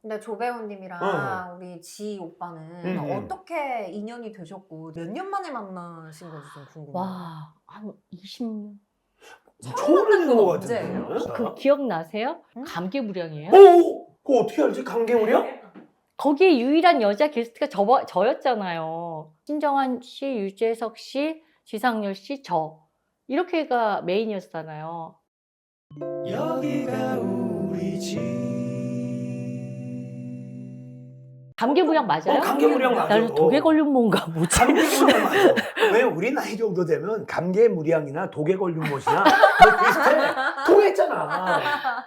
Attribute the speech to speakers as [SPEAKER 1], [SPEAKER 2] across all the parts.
[SPEAKER 1] 근데 조 배우님이랑 우리 지 오빠는 어떻게 인연이 되셨고 몇 년 만에 만나신 건지 좀 궁금해요.
[SPEAKER 2] 와, 한 20년.
[SPEAKER 3] 처음 뵙는 거
[SPEAKER 1] 언제예요?
[SPEAKER 3] 같은데.
[SPEAKER 2] 그 기억나세요?
[SPEAKER 1] 응?
[SPEAKER 2] 감개무량이에요?
[SPEAKER 3] 그거 어떻게 알지? 감개무량?
[SPEAKER 2] 거기에 유일한 여자 게스트가 저였잖아요. 신정한 씨, 유재석 씨, 지상렬 씨, 저. 이렇게가 메인이었잖아요.
[SPEAKER 3] 여기가 우리 집.
[SPEAKER 2] 감개무량 맞아요?
[SPEAKER 3] 감개무량 맞아.
[SPEAKER 2] 나는 독에 걸린 뭔가 뭐지?
[SPEAKER 3] 감개무량 맞아. 왜 우리 나이 정도 되면 감개무량이나 독에 걸린 못이나 그거 비슷해. 통했잖아.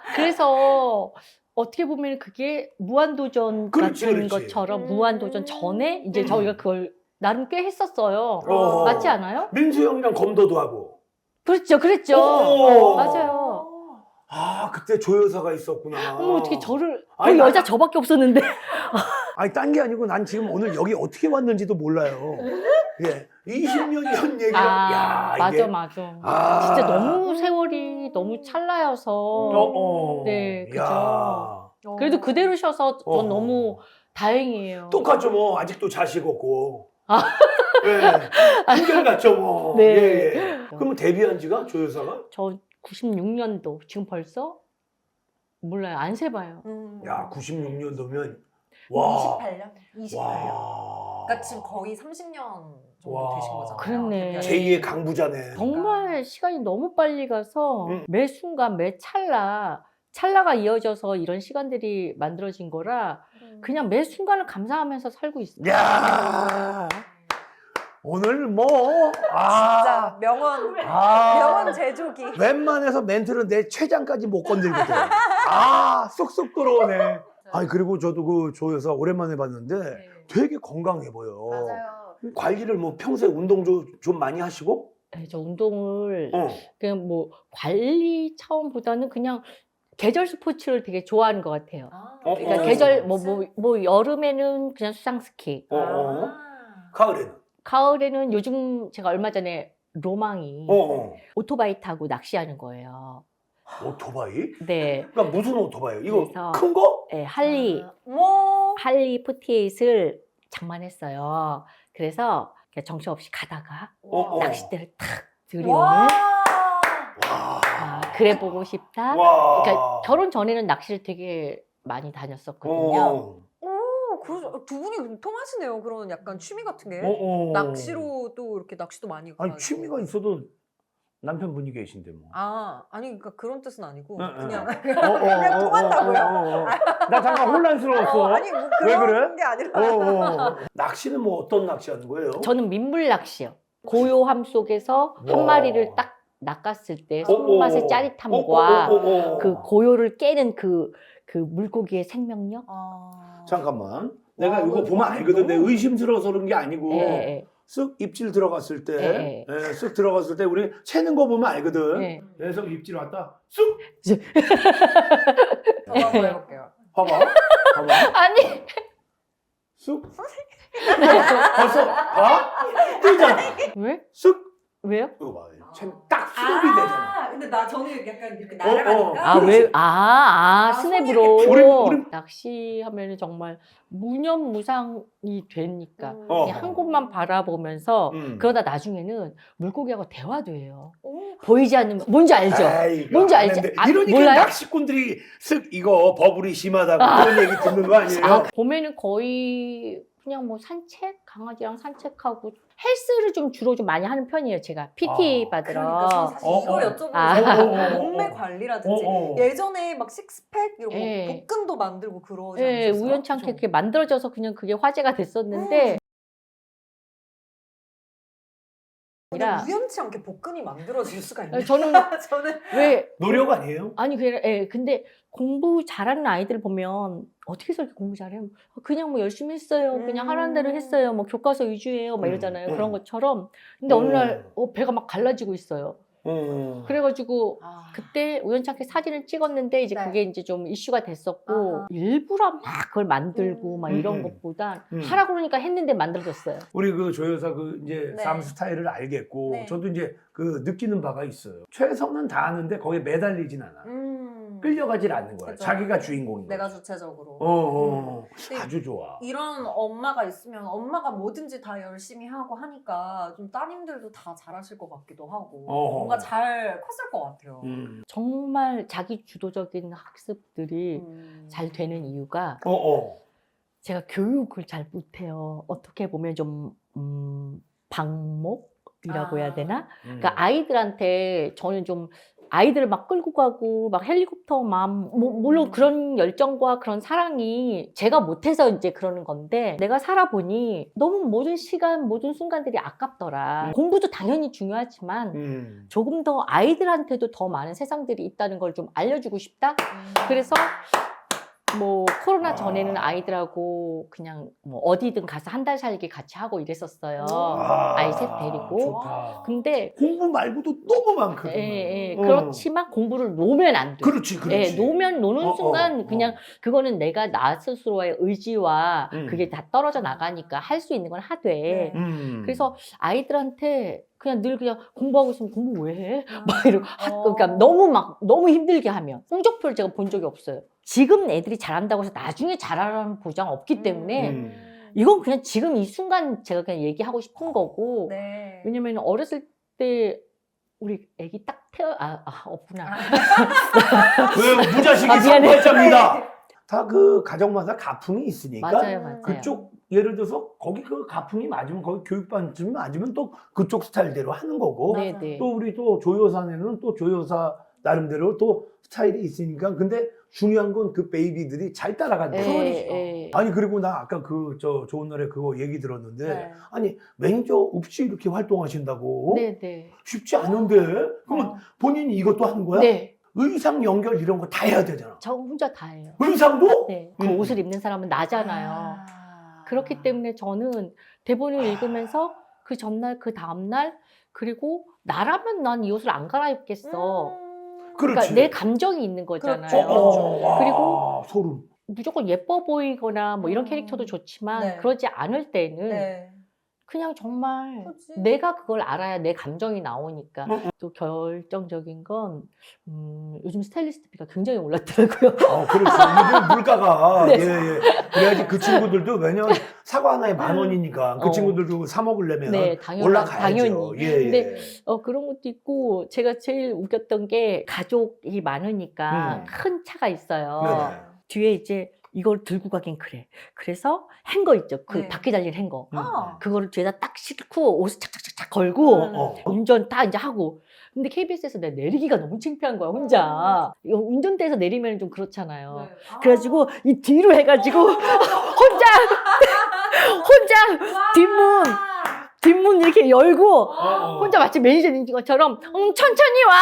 [SPEAKER 2] 그래서 어떻게 보면 그게 무한도전
[SPEAKER 3] 그렇지,
[SPEAKER 2] 같은
[SPEAKER 3] 그렇지.
[SPEAKER 2] 것처럼 무한도전 전에 이제 저희가 그걸 나름 꽤 했었어요.
[SPEAKER 3] 어.
[SPEAKER 2] 맞지 않아요?
[SPEAKER 3] 민수 형이랑 검도도 하고.
[SPEAKER 2] 그렇죠, 그랬죠.
[SPEAKER 3] 오.
[SPEAKER 2] 맞아요.
[SPEAKER 3] 아, 그때 조여사가 있었구나.
[SPEAKER 2] 어머, 어떻게 저를
[SPEAKER 3] 아니,
[SPEAKER 2] 거기 여자 저밖에 없었는데.
[SPEAKER 3] 아니, 딴 게 아니고 난 지금 오늘 여기 어떻게 왔는지도 몰라요. 예. 20년 전 얘기가. 야, 이게.
[SPEAKER 2] 맞아.
[SPEAKER 3] 아.
[SPEAKER 2] 진짜 너무 세월이 너무 찰나여서. 네, 그죠.
[SPEAKER 3] 야.
[SPEAKER 2] 그래도 그대로셔서 전
[SPEAKER 3] 어.
[SPEAKER 2] 너무 다행이에요.
[SPEAKER 3] 똑같죠, 뭐. 아직도 자식 없고.
[SPEAKER 2] 아.
[SPEAKER 3] 예. 한결같죠, 뭐.
[SPEAKER 2] 네.
[SPEAKER 3] 예, 예. 그러면 데뷔한 지가 조여사가?
[SPEAKER 2] 저 96년도 지금 벌써 몰라요. 안 세봐요.
[SPEAKER 3] 야, 96년도면. 와.
[SPEAKER 1] 28년? 28년.
[SPEAKER 3] 와.
[SPEAKER 1] 그러니까 지금 거의 30년 정도
[SPEAKER 3] 와.
[SPEAKER 1] 되신 거잖아요.
[SPEAKER 2] 그렇네.
[SPEAKER 3] 제2의 강부자네.
[SPEAKER 2] 정말 시간이 너무 빨리 가서
[SPEAKER 3] 음.
[SPEAKER 2] 매 순간 매 찰나가 이어져서 이런 시간들이 만들어진 거라 그냥 매 순간을 감사하면서 살고 있어요.
[SPEAKER 3] 야. 오늘 뭐.
[SPEAKER 1] 진짜 명언 제조기.
[SPEAKER 3] 웬만해서 멘트는 내 최장까지 못 건들거든. 쏙쏙 들어오네. 아니, 그리고 저도 그 조여사 오랜만에 봤는데 되게 건강해 보여.
[SPEAKER 1] 맞아요.
[SPEAKER 3] 관리를 뭐 평소에 운동 좀 많이 하시고?
[SPEAKER 2] 네, 저 운동을
[SPEAKER 3] 어.
[SPEAKER 2] 그냥 뭐 관리 차원보다는 그냥 계절 스포츠를 되게 좋아하는 것 같아요. 그러니까
[SPEAKER 3] 어.
[SPEAKER 2] 계절 뭐 여름에는 그냥 수상 스키,
[SPEAKER 3] 가을에는?
[SPEAKER 2] 가을에는 요즘 제가 얼마 전에 로망이 오토바이 타고 낚시하는 거예요.
[SPEAKER 3] 오토바이?
[SPEAKER 2] 네.
[SPEAKER 3] 그러니까 무슨 오토바이요? 이거
[SPEAKER 2] 그래서-
[SPEAKER 3] 큰 거?
[SPEAKER 2] 네, 할리
[SPEAKER 1] 뭐.
[SPEAKER 2] 48을 장만했어요. 그래서 그냥 정신없이 가다가 낚싯대를 탁 들이오는
[SPEAKER 1] 와.
[SPEAKER 2] 그래 보고 싶다.
[SPEAKER 3] 와.
[SPEAKER 2] 그러니까 결혼 전에는 낚시를 되게 많이 다녔었거든요.
[SPEAKER 1] 그래서 두 분이 통하시네요. 그런 약간 취미 같은 게.
[SPEAKER 3] 어.
[SPEAKER 1] 낚시로 또 이렇게 낚시도 많이 가고.
[SPEAKER 3] 아니, 취미가 있어도 남편분이 계신데 뭐.
[SPEAKER 1] 아니 그러니까 그런 뜻은 아니고
[SPEAKER 3] 응,
[SPEAKER 1] 그냥
[SPEAKER 3] 그냥
[SPEAKER 1] 통한다고요?
[SPEAKER 3] 나 잠깐 혼란스러웠어.
[SPEAKER 1] 아니 뭐
[SPEAKER 3] 왜
[SPEAKER 1] 그런
[SPEAKER 3] 그래?
[SPEAKER 1] 게 아니라.
[SPEAKER 3] 낚시는 뭐 어떤 낚시 하는 거예요?
[SPEAKER 2] 저는 민물 낚시요. 고요함 속에서 한
[SPEAKER 3] 와.
[SPEAKER 2] 마리를 딱 낚았을 때 손맛의 짜릿함과 그 고요를 깨는 그 물고기의 생명력.
[SPEAKER 3] 잠깐만. 내가
[SPEAKER 1] 와,
[SPEAKER 3] 이거 보면 알거든. 내
[SPEAKER 1] 너무-
[SPEAKER 3] 의심스러워서 그런 게 아니고
[SPEAKER 2] 예.
[SPEAKER 3] 쓱 입질 들어갔을 때,
[SPEAKER 2] 예.
[SPEAKER 3] 쓱 들어갔을 때 우리 채는 거 보면 알거든.
[SPEAKER 2] 예.
[SPEAKER 3] 그래서 입질 왔다. 쑥
[SPEAKER 1] 저도 한번 해볼게요.
[SPEAKER 3] 봐봐.
[SPEAKER 2] 아니
[SPEAKER 3] 쑥. 벌써 봐? 뜨잖아.
[SPEAKER 2] 왜?
[SPEAKER 3] 쑥.
[SPEAKER 2] 왜요?
[SPEAKER 3] 이거 봐. 딱 수급이 되잖아.
[SPEAKER 1] 근데 저는 약간 이렇게
[SPEAKER 3] 날아가니까.
[SPEAKER 2] 왜?
[SPEAKER 1] 손이
[SPEAKER 2] 스냅으로
[SPEAKER 3] 우리-
[SPEAKER 2] 낚시하면 정말 무념무상이 되니까
[SPEAKER 3] 어.
[SPEAKER 2] 그냥 한 곳만 바라보면서 그러다 나중에는 물고기하고 대화도 해요. 보이지 않는 뭔지 알죠?
[SPEAKER 3] 에이, 이거
[SPEAKER 2] 뭔지
[SPEAKER 3] 안
[SPEAKER 2] 알지?
[SPEAKER 3] 했는데.
[SPEAKER 2] 아,
[SPEAKER 3] 이러니까
[SPEAKER 2] 몰라요?
[SPEAKER 3] 낚시꾼들이 쓱 이거 버블이 심하다고 그런 얘기 듣는 거 아니에요?
[SPEAKER 2] 봄에는 거의 그냥 뭐 산책, 강아지랑 산책하고 헬스를 주로 좀 많이 하는 편이에요. 제가 PT 받으러.
[SPEAKER 1] 그러니까 저는 사실 이걸 여쭤보고
[SPEAKER 2] 아.
[SPEAKER 1] 싶어요. 몸매 관리라든지
[SPEAKER 3] 어.
[SPEAKER 1] 예전에 막 식스팩 이런 거
[SPEAKER 2] 예.
[SPEAKER 1] 복근도 만들고 그러지
[SPEAKER 2] 네,
[SPEAKER 1] 않으셨어요?
[SPEAKER 2] 우연치 않게
[SPEAKER 1] 그죠?
[SPEAKER 2] 그게 만들어져서 그냥 그게 화제가 됐었는데
[SPEAKER 1] 근데
[SPEAKER 2] 아니라
[SPEAKER 1] 우연치 않게 복근이 만들어질 수가 있네요.
[SPEAKER 2] 저는
[SPEAKER 1] 저는
[SPEAKER 2] 왜
[SPEAKER 3] 노력 아니에요?
[SPEAKER 2] 아니 근데 공부 잘하는 아이들 보면 어떻게 해서 이렇게 공부 잘해요? 그냥 뭐 열심히 했어요. 그냥 하라는 대로 했어요. 뭐 교과서 위주예요. 막 이러잖아요. 그런 것처럼. 근데 어느 날 배가 막 갈라지고 있어요. 그래가지고 그때 우연치 않게 사진을 찍었는데 이제
[SPEAKER 1] 네.
[SPEAKER 2] 그게 이제 좀 이슈가 됐었고
[SPEAKER 1] 아하.
[SPEAKER 2] 일부러 막 그걸 만들고 막 이런 것보다 하라 그러니까 했는데 만들어졌어요.
[SPEAKER 3] 우리 그 조여사 그 이제
[SPEAKER 1] 네.
[SPEAKER 3] 삶 스타일을 알겠고
[SPEAKER 1] 네.
[SPEAKER 3] 저도 이제 그 느끼는 바가 있어요. 최선은 다하는데 거기에 매달리진 않아. 끌려가질 않는 거야.
[SPEAKER 1] 그죠.
[SPEAKER 3] 자기가 주인공인 거야.
[SPEAKER 1] 내가 주체적으로. 근데
[SPEAKER 3] 아주 좋아.
[SPEAKER 1] 이런 엄마가 있으면 엄마가 뭐든지 다 열심히 하고 하니까 좀 따님들도 다 잘하실 것 같기도 하고 뭔가 잘 컸을 것 같아요.
[SPEAKER 2] 정말 자기 주도적인 학습들이 잘 되는 이유가 제가 교육을 잘 못해요. 어떻게 보면 좀 방목이라고 해야 되나? 그러니까 아이들한테 저는 좀 아이들을 막 끌고 가고 막 헬리콥터 맘 물론 그런 열정과 그런 사랑이 제가 못해서 이제 그러는 건데 내가 살아보니 너무 모든 시간 모든 순간들이 아깝더라. 공부도 당연히 중요하지만 조금 더 아이들한테도 더 많은 세상들이 있다는 걸 좀 알려주고 싶다. 그래서 뭐 코로나 전에는 아이들하고 그냥 뭐 어디든 가서 한 달 살기 같이 하고 이랬었어요. 아이 셋 데리고.
[SPEAKER 3] 좋다.
[SPEAKER 2] 근데
[SPEAKER 3] 공부 말고도 너무 많거든.
[SPEAKER 2] 그렇지만 공부를 놓으면 안 돼.
[SPEAKER 3] 그렇지.
[SPEAKER 2] 노는 순간 그냥 그거는 내가 나 스스로의 의지와 그게 다 떨어져 나가니까 할 수 있는 건 하되. 그래서 아이들한테 그냥 늘 그냥 공부하고 있으면 공부 왜 해? 막 이러고 그러니까 너무 힘들게 하면 성적표를 제가 본 적이 없어요. 지금 애들이 잘한다고 해서 나중에 잘하라는 보장 없기 때문에 이건 그냥 지금 이 순간 제가 그냥 얘기하고 싶은 거고.
[SPEAKER 1] 네.
[SPEAKER 2] 왜냐면 어렸을 때 우리 애기 딱 없구나.
[SPEAKER 3] 왜 무자식이
[SPEAKER 2] 미안해.
[SPEAKER 3] 선거했답니다. 다 그 가정마다 가풍이 있으니까
[SPEAKER 2] 맞아요.
[SPEAKER 3] 그쪽 예를 들어서 거기 그 가풍이 맞으면 거기 교육반쯤 맞으면 또 그쪽 스타일대로 하는 거고
[SPEAKER 2] 네네.
[SPEAKER 3] 또 우리 또 조효사네는 또 조효사 나름대로 또 스타일이 있으니까 근데 중요한 건 그 베이비들이 잘 따라간다. 아니 그리고 나 아까 그 저 좋은 노래 그거 얘기 들었는데 아니 매니저 없이 이렇게 활동하신다고
[SPEAKER 2] 네네.
[SPEAKER 3] 쉽지 않은데 그러면 본인이 이것도 하는 거야?
[SPEAKER 2] 네.
[SPEAKER 3] 의상 연결 이런 거 다 해야 되잖아.
[SPEAKER 2] 저 혼자 다 해요.
[SPEAKER 3] 의상도?
[SPEAKER 2] 네. 그 옷을 입는 사람은 나잖아요. 그렇기 때문에 저는 대본을 읽으면서 그 전날, 그 다음날 그리고 나라면 난 이 옷을 안 갈아입겠어. 그러니까
[SPEAKER 3] 그렇지.
[SPEAKER 2] 내 감정이 있는 거잖아요.
[SPEAKER 3] 그리고 소름.
[SPEAKER 2] 무조건 예뻐 보이거나 뭐 이런 캐릭터도 좋지만 그러지 않을 때는 그냥 정말 내가 그걸 알아야 내 감정이 나오니까. 또 결정적인 건 요즘 스타일리스트비가 굉장히 올랐더라고요.
[SPEAKER 3] 그렇죠. 요즘 물가가
[SPEAKER 2] 네.
[SPEAKER 3] 그래야지 그 친구들도 왜냐면 사과 하나에 10,000원이니까 그 친구들도 사 먹으려면 올라가야죠.
[SPEAKER 2] 당연히.
[SPEAKER 3] 예.
[SPEAKER 2] 근데 그런 것도 있고 제가 제일 웃겼던 게 가족이 많으니까 큰 차가 있어요.
[SPEAKER 3] 네네.
[SPEAKER 2] 뒤에 이제 이걸 들고 가긴 그래. 그래서 행거 있죠. 그 바퀴 달린 행거. 그거를 뒤에다 딱 싣고 옷을 착착착착 걸고 운전 다 이제 하고. 근데 KBS에서 내가 내리기가 너무 창피한 거야, 혼자. 이거 운전대에서 내리면 좀 그렇잖아요. 그래가지고 이 뒤로 해가지고 혼자 뒷문 이렇게 열고 혼자 마치 매니저인 것처럼 천천히 와.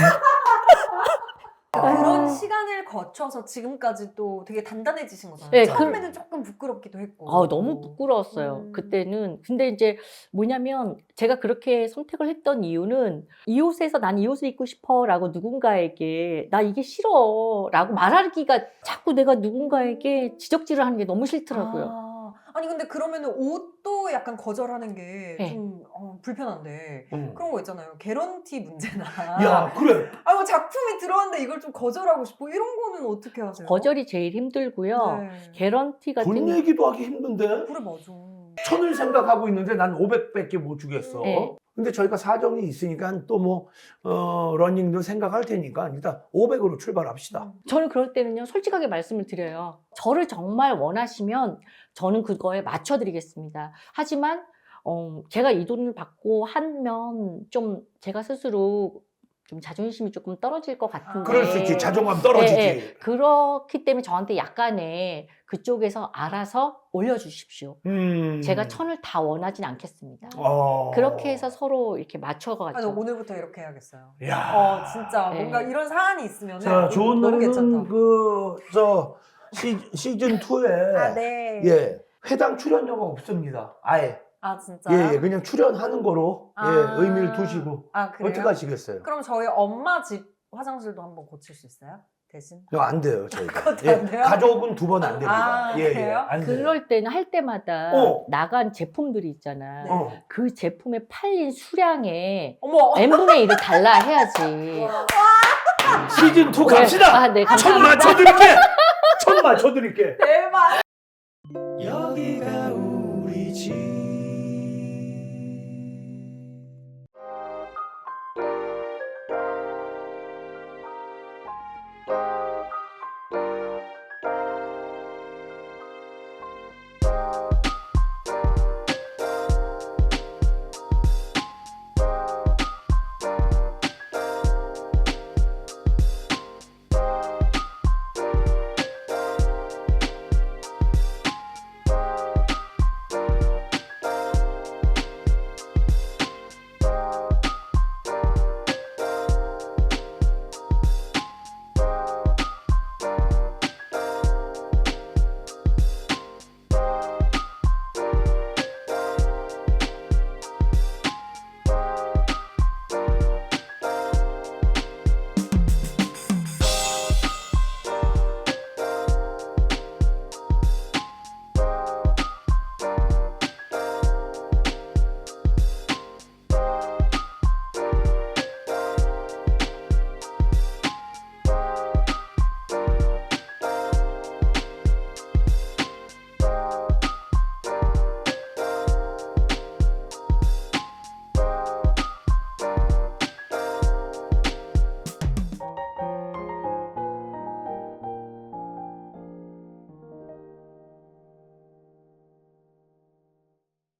[SPEAKER 1] 그런 시간을 거쳐서 지금까지 또 되게 단단해지신 거잖아요.
[SPEAKER 2] 네,
[SPEAKER 1] 처음에는 조금 부끄럽기도 했고.
[SPEAKER 2] 너무 부끄러웠어요. 그때는. 근데 이제 뭐냐면 제가 그렇게 선택을 했던 이유는 이 옷에서 난 이 옷을 입고 싶어 라고 누군가에게 나 이게 싫어 라고 말하기가 자꾸 내가 누군가에게 지적질을 하는 게 너무 싫더라고요.
[SPEAKER 1] 아니 근데 그러면은 옷도 약간 거절하는 게 좀 불편한데 그런 거 있잖아요. 개런티 문제나.
[SPEAKER 3] 야 그래.
[SPEAKER 1] 뭐 작품이 들어왔는데 이걸 좀 거절하고 싶고 이런 거는 어떻게 하세요?
[SPEAKER 2] 거절이 제일 힘들고요. 개런티 같은
[SPEAKER 3] 돈 얘기도 하기 힘든데.
[SPEAKER 1] 그래 맞아.
[SPEAKER 3] 1,000을 생각하고 있는데 난 500밖에 못 주겠어. 근데 저희가 사정이 있으니까 또 뭐 러닝도 생각할 테니까 일단 500으로 출발합시다.
[SPEAKER 2] 저는 그럴 때는요 솔직하게 말씀을 드려요. 저를 정말 원하시면 저는 그거에 맞춰드리겠습니다. 하지만 제가 이 돈을 받고 하면 좀 제가 스스로 좀 자존심이 조금 떨어질 것 같은데.
[SPEAKER 3] 그럴 수 있지. 자존감 떨어지지.
[SPEAKER 2] 그렇기 때문에 저한테 약간의 그쪽에서 알아서 올려주십시오. 제가 1,000을 다 원하진 않겠습니다. 그렇게 해서 서로 이렇게 맞춰가지고.
[SPEAKER 1] 오늘부터 이렇게 해야겠어요.
[SPEAKER 3] 야.
[SPEAKER 1] 진짜 뭔가 이런 사안이 있으면
[SPEAKER 3] 자, 좋은
[SPEAKER 1] 너무
[SPEAKER 3] 노래는
[SPEAKER 1] 괜찮다.
[SPEAKER 3] 시즌 2에
[SPEAKER 1] 네.
[SPEAKER 3] 회당 출연료가 없습니다. 아예.
[SPEAKER 1] 진짜?
[SPEAKER 3] 그냥 출연하는 거로 의미를 두시고.
[SPEAKER 1] 그래요?
[SPEAKER 3] 어떻게 하시겠어요?
[SPEAKER 1] 그럼 저희 엄마 집 화장실도 한번 고칠 수 있어요? 대신?
[SPEAKER 3] 안 돼요, 저희가.
[SPEAKER 1] 그것도 안 돼요?
[SPEAKER 3] 가족은 2번 안 됩니다.
[SPEAKER 1] 그래요?
[SPEAKER 3] 안 돼요.
[SPEAKER 2] 그럴 때는 할 때마다 나간 제품들이 있잖아. 그 제품에 팔린 수량에
[SPEAKER 1] 어머!
[SPEAKER 2] n분의 1을 달라 해야지.
[SPEAKER 3] 시즌 2 갑시다.
[SPEAKER 2] 아, 네,
[SPEAKER 3] 천
[SPEAKER 2] 감사합니다.
[SPEAKER 3] 맞춰드릴게. 천 맞춰드릴게.
[SPEAKER 1] 대박.
[SPEAKER 3] 여기가 우리 집.